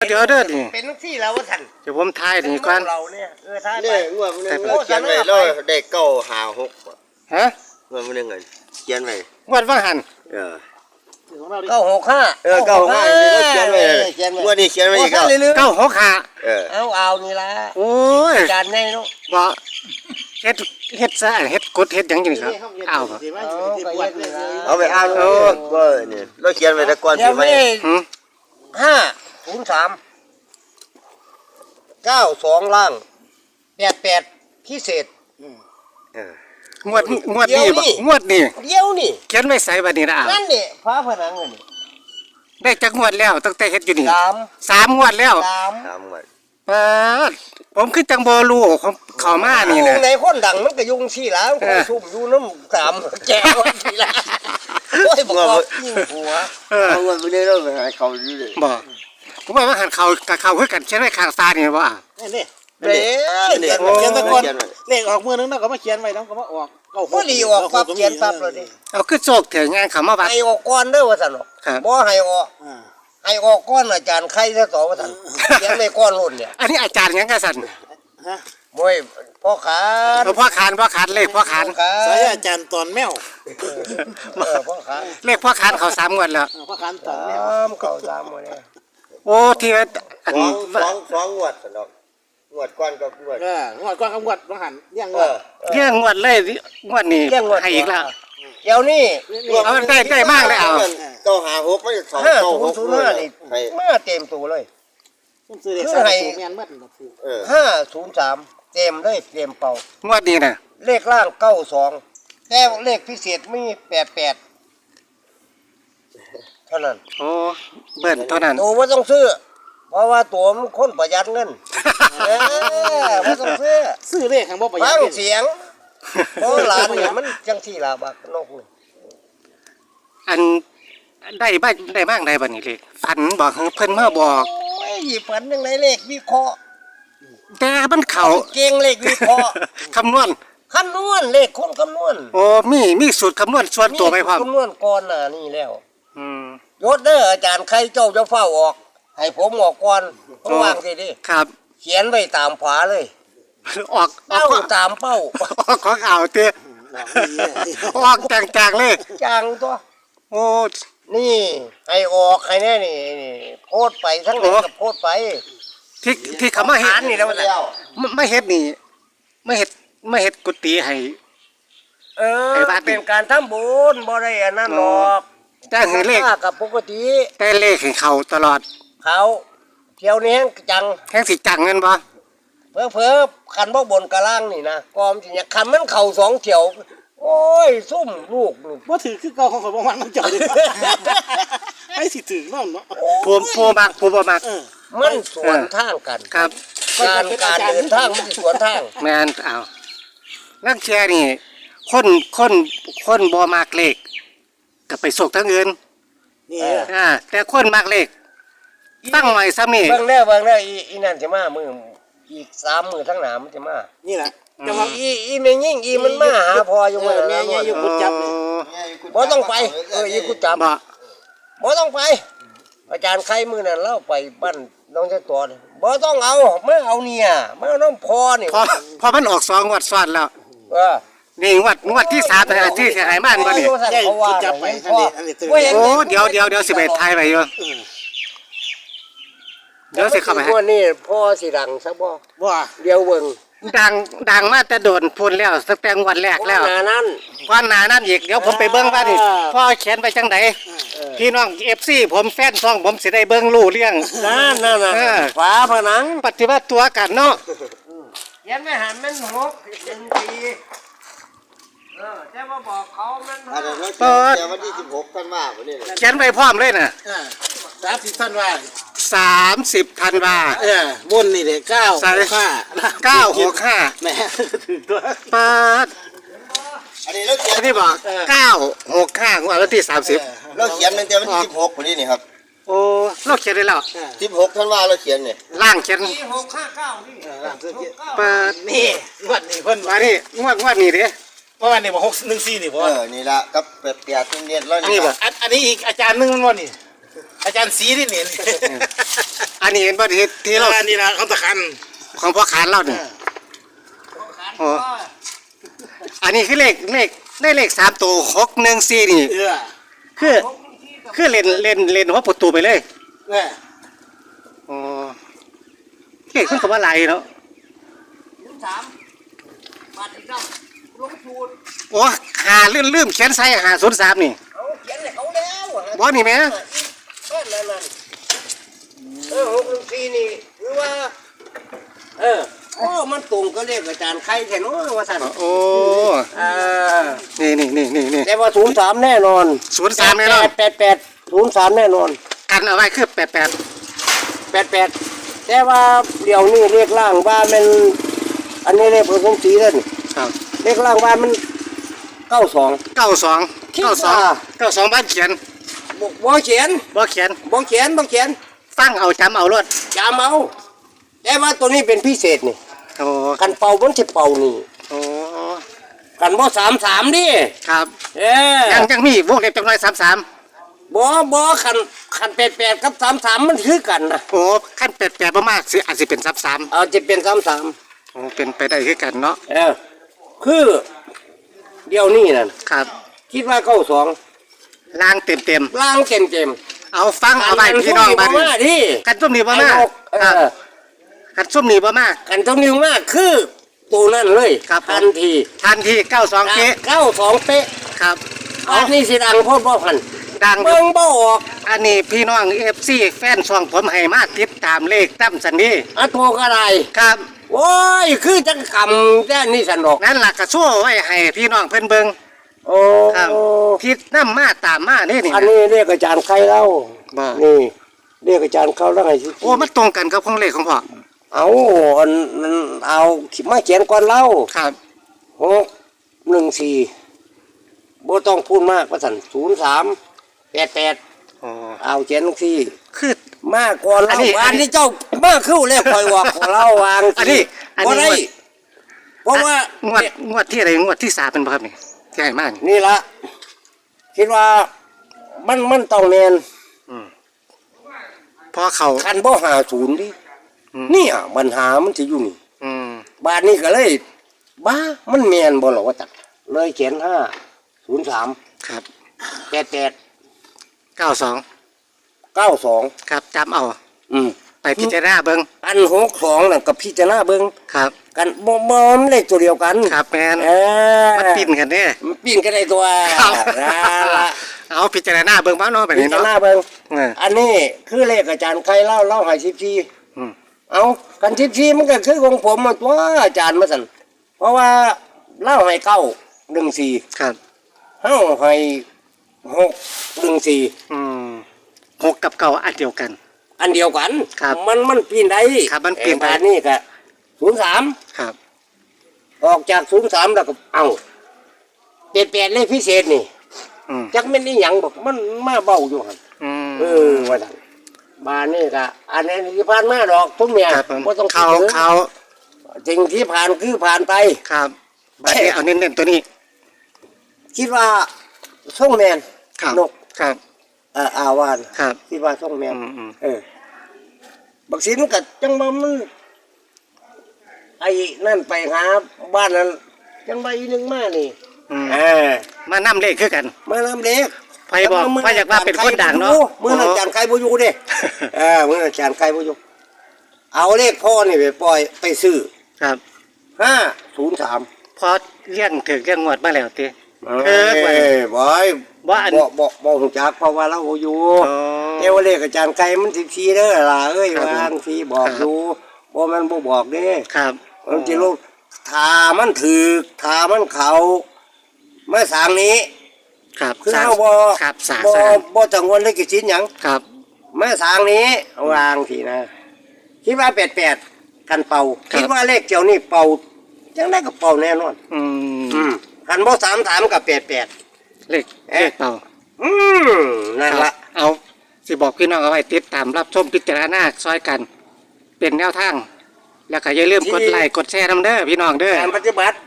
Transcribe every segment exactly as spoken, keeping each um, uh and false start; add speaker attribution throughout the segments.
Speaker 1: เดี๋ยวเด้อนี่
Speaker 2: เป็นที่แล้วว่าท่าน
Speaker 1: เดี๋ยวผมทายนี่ก่อน
Speaker 2: เราเนี่ยเออทายไป
Speaker 3: เนี่ยงวดมันนึงเขียนไว้แล้วได้เก้าหาหก
Speaker 1: ฮะ
Speaker 3: งวดมันนึงเเขียนไว้
Speaker 1: งวดว่าหัน
Speaker 3: เออ
Speaker 2: เก้าหกห้า
Speaker 3: เออเก้าหกห้าเขียนไว้งวดนี้เขียนไว้อีก
Speaker 1: เก้าหกห้า
Speaker 3: เออ
Speaker 2: เอาเอานี่ละ
Speaker 1: โอ้ย
Speaker 2: จานไงเนาะ
Speaker 1: บ่เฮ็ดเฮ็ดซะเฮ็ดกดเฮ็ดหยังจังครับเอาบ่
Speaker 3: เอาไปอ่านเออว่านี่เราเขียนไว้แต่ก่อนสิไหม
Speaker 2: ห้าศูนย์สามเก้าสองล่างแปดแปดพิเศษ
Speaker 1: งวดงวดนี้บ่งวดนี้
Speaker 2: เดี๋ยวนี่
Speaker 1: เขียนไว้ใส่บัดนี้นะอ่ะ
Speaker 2: นั่นนี่ฟ้าผนังนี่
Speaker 1: ได้จักงวดแล้วตั้งแต่เฮ็ดอยู่นี่
Speaker 2: สาม
Speaker 1: สามงวดแล้ว
Speaker 2: สาม
Speaker 3: สามงวด
Speaker 1: เออผมคือจังบ่รู้ของเข้ามานี่นะ
Speaker 2: ในคนดังมันก็ยุ่งซี่แล้วคนซุ่มอยู่น้ำสามแก้วซี่ละโอ้ยบอกว่ายิ่งหัว
Speaker 3: เออเอาเงินไปได้แล้วไปหาเขาอยู่เลย
Speaker 1: บ่ผมว่าหันเขากับเขาคือกันเขียนไว้ข้างซ้ายนี่บ่อ่ะ
Speaker 2: นี่เด้เขียนเขียนตะกอน
Speaker 4: เลขออกมือนึงเนาะก็มาเขียนไว้นำก็มาออก
Speaker 2: เก้าหกดีออกปั๊บเขียนปั๊บเลยดิ
Speaker 1: เอาคือโชคเถอะงานเขามาวัด
Speaker 2: ให้ออกก่อนเด้อว่าซั่นเนาะบ่ให้ออกให้ออกก่อนอาจารย์ใครซะต่อว่าซั่นเขียนในก้อนรุ่นเนี่ย
Speaker 1: อันนี้อาจารย์หยังกะซั่น
Speaker 2: ฮะมวยพ่อขาน
Speaker 1: พ่อขานพ่อขานเลขพ่อขาน
Speaker 4: สายอาจารย์ตอนแมว
Speaker 2: เออพ่อขาน
Speaker 1: เลขพ่อขานเขาสามงวดแล้ว
Speaker 4: พ่อขานตอนแมว
Speaker 2: เขาสามงวดเนี่ย
Speaker 1: โอ้ที่ว่า
Speaker 3: อันสองสองงวดซั่นดอกงวดก่อนก็งวด
Speaker 4: เอองวดก่อนกับงวดบ่หันเลี้ยงงวด
Speaker 1: เลี้ยงงวดเลยงวดนี้ให้อีกแล้ว
Speaker 2: เดี๋ยวนี้
Speaker 1: เอาได้ได้มากเลยเอา
Speaker 3: เก้าหาหกไม่สองเก้าหก
Speaker 2: นี่มาเต็มตัวเลย
Speaker 4: ผมซื้อเลขสามตัวแม่นหมดบ่ถูก
Speaker 2: เออห้าศูนย์สามเต็มเลยเต็มเป่าง
Speaker 1: วดนี้น่ะ
Speaker 2: เลขล่างเก้าสองแต่เลขพิเศษมีแปดแปดเท่านั้น
Speaker 1: โอ้เบิ้ลเท่านั้น
Speaker 2: ตัวว่าต้องซื้อเพราะว่าตัวมันคนประหยัดเงินเออว่าต้องซื้อ
Speaker 4: ซื้อเลขข้างบ่ประหยัด
Speaker 2: ฟังเสียงเพราะหลานเนี่ยมันจังสี่ล่ะบักนก
Speaker 1: อันได้บ้านได้บ้างได้บัดนี้เลขฝันบอกเพิ่นมาบอก
Speaker 2: โอ้ยฝันจังไดเลขวิเคราะห์
Speaker 1: แต่มันเข้า
Speaker 2: เก่งเลขวิเคราะห์
Speaker 1: คำนวณ
Speaker 2: คำนวณเลขคนคำนวณ
Speaker 1: โอ้มีมีสูตรคำนวณส่วนตัวไหมพ่อ
Speaker 2: คำนวณก่อนน่ะนี่แล้ว
Speaker 1: อืม
Speaker 2: ยศเด้ออาจารย์ใครเจ้าจะเฝ้าออกให้ผมออกก่อนต้องวางสิดิ
Speaker 1: ครับ
Speaker 2: เขียนไว้ตามฝาเลย
Speaker 1: ออก
Speaker 2: เป้าตามเป้า
Speaker 1: ออกของเอาเต้ออกจางๆเลย
Speaker 2: จางตัว
Speaker 1: โอ้
Speaker 2: นี่ให้ออกให้แน่นี่โพดไปทั้งหมดโพดไป
Speaker 1: ที่ที่เขามาเฮ็ด
Speaker 2: นี่แล้ว
Speaker 1: ไม่เฮ็ดนี่ไม่เฮ็ดไม่เฮ็ดกุฏิให้
Speaker 2: เออเป็นการทำบุญบ่ได้อันนั้นหรอก
Speaker 1: แต่เห็นเลข
Speaker 2: กับปกติ
Speaker 1: แต่เลขให้เขาตลอด
Speaker 2: เขาเที่ยวนี้จัง
Speaker 1: แห้งสิจังเงินบ่
Speaker 2: เพ้อเพ้อคันบ่บนกะล่างนี่นะกอมสิเนี่ยคันมันเข่าสองเที่ยวโอ้ยซุ่มลูกนี่
Speaker 4: บ่ถือคือเก่าของข่อยบ่มันมันเจ้าดิให้สิถือเนาะเนาะ
Speaker 1: ผมโพมักผมบ่มัก
Speaker 2: มันสวนทางกัน
Speaker 1: ครับ
Speaker 2: การการเดินทางมันสวนทาง
Speaker 1: แม่นเอาลังเชียนี่คนคนคนบ่มักเลขก็ไปโศกทั้งอื่น
Speaker 4: นี่
Speaker 1: อ่าแต่คนมักเลขตั้งไว้ซ้ำนี่
Speaker 2: เบิ่งแล้วเบิ่งแล้วอีอีนั่นจะมามื้ออีกสามมื้อทั้งหน้ามันจะมา
Speaker 4: นี่ล่ะ
Speaker 2: จังว่าอีอีแม่ยิ่งอีมันมาหาพออยู่มื้อ
Speaker 4: แม่ใหญ่อยู่กุดจับนี่
Speaker 2: บ่ต้องไปเอออีกุดจับบ่บ่ต้องไปอาจารย์ใครมื้อนั้นเล่าไปบ้านน้องเจ้าตัวบ่ต้องเอามาเอาเนี่ยมาน้องพอนี่
Speaker 1: พอพอมันออกสองงวดซ้อนแล้ว
Speaker 2: เออ
Speaker 1: นี่งวดงวดที่สามที่เสียหายบ้านบ่นี่
Speaker 4: จับไปอันนี้อันนี้
Speaker 1: โอ้เดี๋ยวเดี๋ยวเดี๋ยวสิไปถ่ายไว้อยู่เดี๋ยวสิเข้าไป
Speaker 2: ให้นี่พ่อสิดังซะบ่
Speaker 4: บ่
Speaker 2: เดี๋ยวเบิ่ง
Speaker 1: ดังดังมาแต่โดนพูนแล้วตั้งแต่วันแรกแล้ว
Speaker 2: หน้านั้น
Speaker 1: ก่อนหน้านั้นอีกเดี๋ยวผมไปเบิ่งว่านี่พ่อเขียนไปจังไดพี่น้อง เอฟ ซี ผมแฟนซองผมสิได้เบิ่งรู้เรื่อง
Speaker 2: นั่นนั่นน่ะฝาผนัง
Speaker 1: ปฏิบัติตัวกันเนาะ
Speaker 2: เขียนไม่หันมันหกเป็นปีเออแต่ว่าบอกเขามัน
Speaker 3: อันนั้นเขียนวันที่สิบหกธันวาคมนี่
Speaker 1: เขียนไว้พร้อมเลยน่ะ
Speaker 4: สามสิบธันวา
Speaker 1: สามสิบธันวา
Speaker 4: เออบนนี่เด้เก้าห้า
Speaker 1: เก้าหกห้า
Speaker 4: แหมถึงตัว
Speaker 1: ปาด
Speaker 3: อันนี้เราเขียน
Speaker 1: อันนี้บอกเก้าหกห้างวดวันที่สามสิบ
Speaker 3: เราเขียนตั้งแต่วันที่สิบหกคนนี้นี่ครับ
Speaker 1: โอ้เราเขียนได้แล้ว
Speaker 3: สิบหกธันวาเราเขียนเนี่ย
Speaker 1: ล่างเขียน
Speaker 2: หกห้าเก้านี่
Speaker 1: ปาด
Speaker 4: นี่งวดนี้เพิ่น
Speaker 1: ว่านี่งวดงวดนี้เด้
Speaker 4: เพราะว่านี่บ่หกหนึ่งสี่นี่บ่
Speaker 3: เออนี่ละกับแปดแปดเรียนแล้ว
Speaker 4: นี่บ่อันนี้อีกอาจารย์นึงมันบ่นี่อาจารย์สีนี่เนี่ย
Speaker 1: อันนี้เห็นบ่ที่ที่เรา
Speaker 4: นี่นะเขาตะคัน
Speaker 1: ของพ่อขานเราเนี่ยโอ้อันนี้คือเลขเลขได้เลขสามตัวหกหนึ่งสี่นี่
Speaker 4: เออ
Speaker 1: คือคือเล่นเล่นเล่นหัวประตูไปเลย
Speaker 4: เนี่ย
Speaker 1: อ๋อเลขมันก็ว่าไรเนาะ
Speaker 2: สามมาที่เจ้าลงทุน
Speaker 1: โอ้หาลืมลืมเขียนใส่หาศูนย์สามนี่
Speaker 2: เขาเขียนให้เขาแล้วอะ
Speaker 1: บ่นี่แม่
Speaker 2: นั่นนั่นนั่นเออหกหนึ่งสี่นี่หรือว่า เออโอ้มันตรงก็เรียกอาจารย์ใครแค่น้อยว่าสั่น
Speaker 1: โอ้
Speaker 2: เออ
Speaker 1: นี่นี่นี่นี่นี่
Speaker 2: แต่ว่าศูนย์สามแน่นอน
Speaker 1: ศูนย์สามแน่นอน
Speaker 2: แปดแปดศูนย์สามแน่นอน
Speaker 1: กันเอาไว้คือแปดแปด
Speaker 2: แปดแปดแต่ว่าเดี๋ยวนี้เรียกล่างว่ามันอันนี้เรียกผสมสีแล้วนี่
Speaker 1: ครับ
Speaker 2: เรียกล่างว่ามันเก้าสอง
Speaker 1: เก้าสอง
Speaker 2: คิด
Speaker 1: เก้าสอง
Speaker 2: ว่า
Speaker 1: เก้าสองบ้านเขียน
Speaker 2: บ่เขียน
Speaker 1: บ่เขียน
Speaker 2: บ่เขียนบ่เขียน
Speaker 1: ฟังเอาจำเอารถ
Speaker 2: จำเอาแต่ว่าตัวนี้เป็นพิเศษนี่
Speaker 1: โอ้
Speaker 2: กันเป่ามันจะเป่านี่
Speaker 1: โอ้
Speaker 2: กันบ่สามสามดิ
Speaker 1: ครับ
Speaker 2: เออ
Speaker 1: ยังยังมีวงเล็บจังน้อยสามสาม
Speaker 2: บ่บ่คันคันแปดแปดกับสามสามมันคือกันนะ
Speaker 1: โอ้ขั้นแปดแปดประมาณสิอาจจะเป็นสามสาม
Speaker 2: เอาจะเป็นสามสาม
Speaker 1: โอ้เป็นไปได้คือกันเนาะ
Speaker 2: เออคือเดี๋ยวนี้นั่น
Speaker 1: ครับ
Speaker 2: คิดว่าเก้าสอง
Speaker 1: ล่างเต็มเต็ม
Speaker 2: ล่างเต็มเต็ม
Speaker 1: ๆเอาฟังเอาไว้พี่น้องบ้าน
Speaker 2: มาที่
Speaker 1: กันส้มนี่บ่
Speaker 2: ไอ้
Speaker 1: มาก
Speaker 2: นกเอ
Speaker 1: ครับ
Speaker 2: อ
Speaker 1: กันส้มนี่บ่มาก
Speaker 2: กันตรงนี้มากคือตัวนั่นเลย
Speaker 1: ครับ
Speaker 2: ทันที
Speaker 1: ทันทีเก้าสองเก๊
Speaker 2: เก้าสองเป๊ะ
Speaker 1: ครับ
Speaker 2: อันนี้สิดังโพดบ่พัน
Speaker 1: ดัง
Speaker 2: เบิ่งบ่ออก
Speaker 1: อันนี้พี่น้องเอฟซีแฟนช่องผมให้มาติดตามเลขตั้มสันนี้
Speaker 2: อันโทกอะไร
Speaker 1: ครับ
Speaker 2: โอ้ยคือจังคำแค่นี้สนอก
Speaker 1: นั่นหลักกระชั่วไว้ให้พี่น้องเพิ่นเบิง
Speaker 2: โอ้
Speaker 1: ครับทิศน้ำมาตามมานี่นี่
Speaker 2: อันนี้เรียกอาจารย์ใครเล่า
Speaker 1: บ่
Speaker 2: นี่เรียกอาจารย์เขาแล้วไงสิ
Speaker 1: โอ้มันตรงกันกับของเลขของพ่อ
Speaker 2: เอาอันนั้นเอามาเขียนก่อนเล่า
Speaker 1: ครับ
Speaker 2: หกหนึ่งสี่บ่ต้องพูดมากว่าสันศูนย์สามแปดแปด
Speaker 1: โอ้
Speaker 2: เอาเขียนลงที่
Speaker 1: คือ
Speaker 2: มากก่อน
Speaker 1: อัน
Speaker 2: เล่า
Speaker 1: นี้
Speaker 2: อันนี้เจ้ามาเข้าแล้วคอยว่าของเล่าวาง
Speaker 1: อันนี้อันนี้
Speaker 2: บ่ได้เพราะว่าง
Speaker 1: วดงวดที่อะไรงวดที่สามเป็นบ่ครับนี่ที่ให้มานี่
Speaker 2: นี่ละคิดว่ามันมันต้องแมน
Speaker 1: พอเขา
Speaker 2: คันบ่หาศูนย์ดิ
Speaker 1: อืม
Speaker 2: เนี่ยปัญหามันจะอยู่นี่
Speaker 1: อืม
Speaker 2: บาทนี้ก็เลย บ้ามันแมนบ่หรอว่าจักเลยเขียนห้าศูนย์สาม
Speaker 1: ครับ
Speaker 2: แปดแปด
Speaker 1: เก้าสอง
Speaker 2: เก้าสอง
Speaker 1: ครับจำเอา
Speaker 2: อืม
Speaker 1: ไปพิจารณาเบิง
Speaker 2: อันหกสองน่ะกับพี่จะหน้าเบิ้ง
Speaker 1: ครับ
Speaker 2: กันบ่บ่มันเลขตัวเดียวกัน
Speaker 1: ครับแมน
Speaker 2: เออ
Speaker 1: มันปิ้นกันเด้
Speaker 2: มันปิ้นกันได้ตัว
Speaker 1: ครับ
Speaker 2: นั่นละ
Speaker 1: เอาพิจารณาเบิ่งบ้างเนาะแบบ
Speaker 2: พี่
Speaker 1: นี้
Speaker 2: จะ
Speaker 1: เนาะ
Speaker 2: หน้าเบิ้ง
Speaker 1: เออ
Speaker 2: อันนี้คือเลขอาจารย์ใครเล่าเล่าให้สิบสี่
Speaker 1: อืม
Speaker 2: เอากันสิบสี่มันก็คือของผมมันตัวอาจารย์มาสั่นเพราะว่าเล่าให้เก้าหนึ่งสี่
Speaker 1: ครับ
Speaker 2: เฮ้าให้หกหนึ่งสี่
Speaker 1: อืมหกกับเก่าอันเดียวกัน
Speaker 2: อันเดียวกัน
Speaker 1: ครับ
Speaker 2: มันมันปีนได้
Speaker 1: ครับมันปีนได้
Speaker 2: แต่บาทนี่ก็ศูนย์สาม
Speaker 1: ครับ
Speaker 2: ออกจากศูนย์สามแล้วก็เอาเปลี่ยนเปลี่ยนเลขพิเศษนี่
Speaker 1: อืม
Speaker 2: จักแม่นนี่หยังบอกมันมาเบาอยู่หั่น
Speaker 1: อืม
Speaker 2: เออว่าซั่นบานนี่ก็อันนี้ที่ผ่านมาดอกทุกเมีย
Speaker 1: ครับผม
Speaker 2: บ่ต้องคิด
Speaker 1: เขา
Speaker 2: ถึง
Speaker 1: เขา
Speaker 2: สิ่งที่ผ่านคือผ่านไป
Speaker 1: ครับบัดนี้เอาเน้นๆตัวนี้
Speaker 2: คิดว่าส่งแมน
Speaker 1: ครับ
Speaker 2: นก
Speaker 1: ครับ
Speaker 2: เอ่ออาวาน
Speaker 1: ครับ
Speaker 2: คิดว่าส่งแมน
Speaker 1: อืมอืม
Speaker 2: เออบักสินก็จังว่ามันไอ้นั่นไปหาบ้านนั้นจังว่าอีหนึงมานี่
Speaker 1: อืม
Speaker 2: เออ
Speaker 1: มานำเลขคือกัน
Speaker 2: มานำเล็ก
Speaker 1: ไผบอกไผอยากว่าเป็นคนดังเนาะ
Speaker 2: มืออาจารย์ไก่บ่อยู่เด้เออมืออาจารย์ไก่บ่อยู่เอาเลขพ่อนี่ไปปล่อยไปซื้อ
Speaker 1: ครับ
Speaker 2: ห้าศูนย์สาม
Speaker 1: พอเลี้ยงถึงเลี้ยงงวดมาแล้วติ
Speaker 2: เอ
Speaker 1: เออ
Speaker 2: อบ่อย
Speaker 1: ว่าอัน
Speaker 2: บ่บ่บ่ฮู้จักเพราะว่าเราบ่อยู่
Speaker 1: อ๋อ
Speaker 2: เอวเลขอาจารย์ไก่มันสิบสี่เด้อล่ะเอ้ย
Speaker 1: ครับผม
Speaker 2: วางสิบอก
Speaker 1: ครับ
Speaker 2: อยู่บ่แมันบ่บอกเด้
Speaker 1: ครับ
Speaker 2: มันสิลูกถ้ามันถูกถ้ามันเขามาสร้างนี้
Speaker 1: ครับ
Speaker 2: คือ
Speaker 1: สร้าง
Speaker 2: เฮาบ่
Speaker 1: ครับสร้าง
Speaker 2: บ่
Speaker 1: สร้าง
Speaker 2: บ่กังวลเลยกิจสินหยัง
Speaker 1: ครับ
Speaker 2: มาสร้างนี้วางสินะคิดว่าแปดแปดกันเป่าคิดว่าเลขเจ้านี่เป่าจังได๋ก็เป่าแน่นอน
Speaker 1: อืม
Speaker 2: อืมคันบ่สามสามกับแปดแปด
Speaker 1: เลขเลขเป่า
Speaker 2: อืมนั่น
Speaker 1: ครั
Speaker 2: ละ
Speaker 1: บเอาสิบอกพี่น้องเอาไว้ติดตามรับชมพิจารณาซอยกัน เป็นแนวทาง แล้วก็อย่าลืมกดไลค์กดแชร์นำเด้อพี่น้องเด้อ
Speaker 2: การปฏิบัติ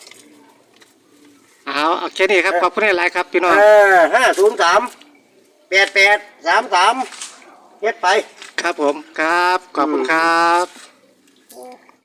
Speaker 1: เอาเอาแค่นี้ครับขอบคุณหลายๆครับพี่น้อง
Speaker 2: เออห้าศูนย์สามแแปดแปดสามสามเฮ็ดไป
Speaker 1: ครับผมครับขอบคุณครับ